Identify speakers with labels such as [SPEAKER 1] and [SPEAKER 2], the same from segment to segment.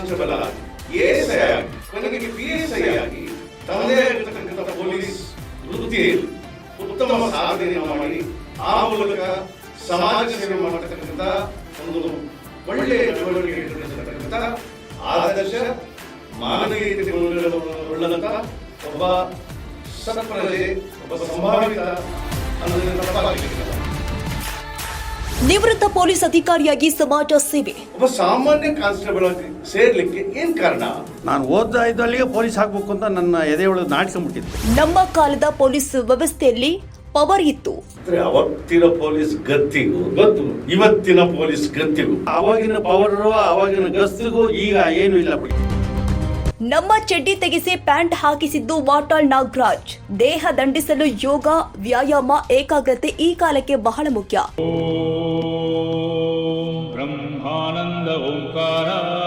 [SPEAKER 1] Constable ಆಗಿ ASI ಆಗಿ ಕೊನೆಗೆ ಪಿಎಸ್ಐ ಆಗಿ ತಮ್ಮದೇ ಆಗಿರತಕ್ಕಂಥ ಪೊಲೀಸ್ ವೃತ್ತಿಯಲ್ಲಿ ಉತ್ತಮ ಸಾಧನೆಯನ್ನು ಮಾಡಿ ಆ ಮೂಲಕ ಸಮಾಜ ಸೇವೆ ಮಾಡತಕ್ಕಂಥ ಒಂದು ಒಳ್ಳೆಯ ಚಳವಳಿಕೆ ಇರತಕ್ಕಂಥ ಆದರ್ಶ ಮಾನವೀಯತೆ ಉಳ್ಳಂತ ಒಬ್ಬ ಸತ್ಪ್ರಜೆ, ಒಬ್ಬ ಸಂಭಾವಿತ ಅನ್ನೋದನ್ನು ತಪ್ಪಾಗಲಿಕ್ಕಿಲ್ಲ.
[SPEAKER 2] ನಿವೃತ್ತ ಪೊಲೀಸ್ ಅಧಿಕಾರಿಯಾಗಿ ಸಮಾಜ ಸೇವೆ.
[SPEAKER 1] ಒಬ್ಬ ಸಾಮಾನ್ಯ ಕಾನ್ಸ್ಟೇಬಲ್ ಆಗಿ ಸೇರ್ಲಿಕ್ಕೆ ಏನ್ ಕಾರಣ?
[SPEAKER 3] ನಾನು ಓದ್ತಾ ಇದ್ದಲ್ಲಿಗೆ ಪೊಲೀಸ್ ಆಗ್ಬೇಕು ಅಂತ ನನ್ನ ಎದೆಯೊಳಗೆ ನಾಟ್ಕೊಂಡ್ಬಿಟ್ಟಿತ್ತು.
[SPEAKER 2] ನಮ್ಮ ಕಾಲದ ಪೊಲೀಸ್ ವ್ಯವಸ್ಥೆಯಲ್ಲಿ ಪವರ್ ಇತ್ತು.
[SPEAKER 1] ಅವತ್ತಿನ ಪೊಲೀಸ್ ಗತ್ತಿಗೂ ಗೊತ್ತು, ಇವತ್ತಿನ ಪೊಲೀಸ್ ಗತ್ತಿಗೂ
[SPEAKER 3] ಆವಾಗಿನ ಪವರ್ ಆವಾಗಿನ ಗಸ್ತಿಗೂ ಈಗ ಏನು ಇಲ್ಲ ಬಿಡಿ.
[SPEAKER 2] ನಮ್ಮ ಚಡ್ಡಿ ತೆಗೆಸಿ ಪ್ಯಾಂಟ್ ಹಾಕಿಸಿದ್ದು ವಾಟಾಳ್ ನಾಗರಾಜ್. ದೇಹ ದಂಡಿಸಲು ಯೋಗ, ವ್ಯಾಯಾಮ, ಏಕಾಗ್ರತೆ ಈ ಕಾಲಕ್ಕೆ ಬಹಳ ಮುಖ್ಯ.
[SPEAKER 4] ಬ್ರಹ್ಮಾನಂದ ಓಂಕಾರ.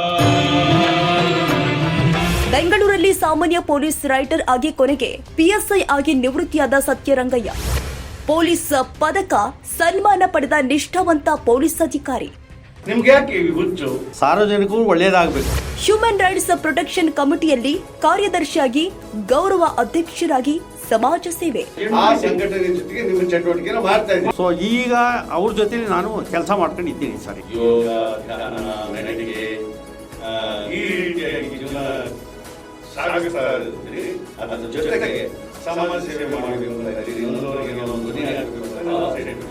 [SPEAKER 2] ಬೆಂಗಳೂರಲ್ಲಿ ಸಾಮಾನ್ಯ ಪೊಲೀಸ್ ರೈಟರ್ ಆಗಿ ಕೊನೆಗೆ ಪಿಎಸ್ಐ ಆಗಿ ನಿವೃತ್ತಿಯಾದ ಸತ್ಯರಂಗಯ್ಯ. ಪೊಲೀಸ್ ಪದಕ, ಸನ್ಮಾನ ಪಡೆದ ನಿಷ್ಠಾವಂತ ಪೊಲೀಸ್ ಅಧಿಕಾರಿ.
[SPEAKER 1] ನಿಮ್ಗೆ ಯಾಕೆ ಈ ಹುಚ್ಚು?
[SPEAKER 3] ಸಾರ್ವಜನಿಕರು ಒಳ್ಳೆಯದಾಗಬೇಕು.
[SPEAKER 2] ಹ್ಯೂಮನ್ ರೈಟ್ಸ್ ಪ್ರೊಟೆಕ್ಷನ್ ಕಮಿಟಿಯಲ್ಲಿ ಕಾರ್ಯದರ್ಶಿಯಾಗಿ, ಗೌರವ ಅಧ್ಯಕ್ಷರಾಗಿ ಸಮಾಜ ಸೇವೆ.
[SPEAKER 1] ಆ ಸಂಘಟನೆ ಜೊತೆಗೆ ನಿಮ್ಮ ಚಟುವಟಿಕೆನ ಮಾಡ್ತಾ ಇದ್ದೀವಿ.
[SPEAKER 3] ಸೊ ಈಗ ಅವ್ರ ಜೊತೆ ನಾನು ಕೆಲಸ ಮಾಡ್ಕೊಂಡಿದ್ದೀನಿ ಸರ್.
[SPEAKER 1] ಯೋಗ, ಧ್ಯಾನ, ಮೆಡಿಟೇಷನ್ ಈ ರೀತಿಯಾಗಿ ಜೀವನ ಸಾಗಿಸ್ತಾ ಇದ್ದೀರಿ. ಅದರ ಜೊತೆಗೆ ಸಮಾಜ ಸೇವೆ ಮಾಡಬೇಕು ಅಂತ ಇದ್ದೀರಿ. ಇನ್ನೊಂದವರಿಗೆ ಒಂದು ಧ್ವನಿ ಆಗಬೇಕು ಅಂತ ನಾವು ಆಸೆ ಇಟ್ಟಿದ್ದೀವಿ.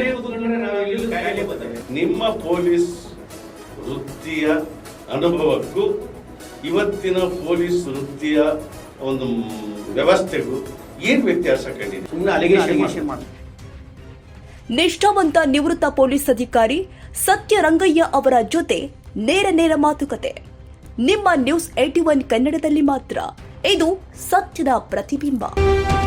[SPEAKER 1] ನಿಮ್ಮ ಪೊಲೀಸ್ ವೃತ್ತಿಯ ಅನುಭವಕ್ಕೂ ಇವತ್ತಿನ ಪೊಲೀಸ್ ವೃತ್ತಿಯ ಒಂದು ವ್ಯವಸ್ಥೆಗೂ ಏನ್ ವ್ಯತ್ಯಾಸ ಕಂಡಿದೆ?
[SPEAKER 3] ಸುಮ್ಮನೆ ಅಲಿಗೇಷನ್ ಮಾಡಿ.
[SPEAKER 2] ನಿಷ್ಠಾವಂತ ನಿವೃತ್ತ ಪೊಲೀಸ್ ಅಧಿಕಾರಿ ಸತ್ಯರಂಗಯ್ಯ ಅವರ ಜೊತೆ ನೇರ ಮಾತುಕತೆ ನಿಮ್ಮ ನ್ಯೂಸ್ 81 ಕನ್ನಡದಲ್ಲಿ ಮಾತ್ರ. ಇದು ಸತ್ಯದ ಪ್ರತಿಬಿಂಬ.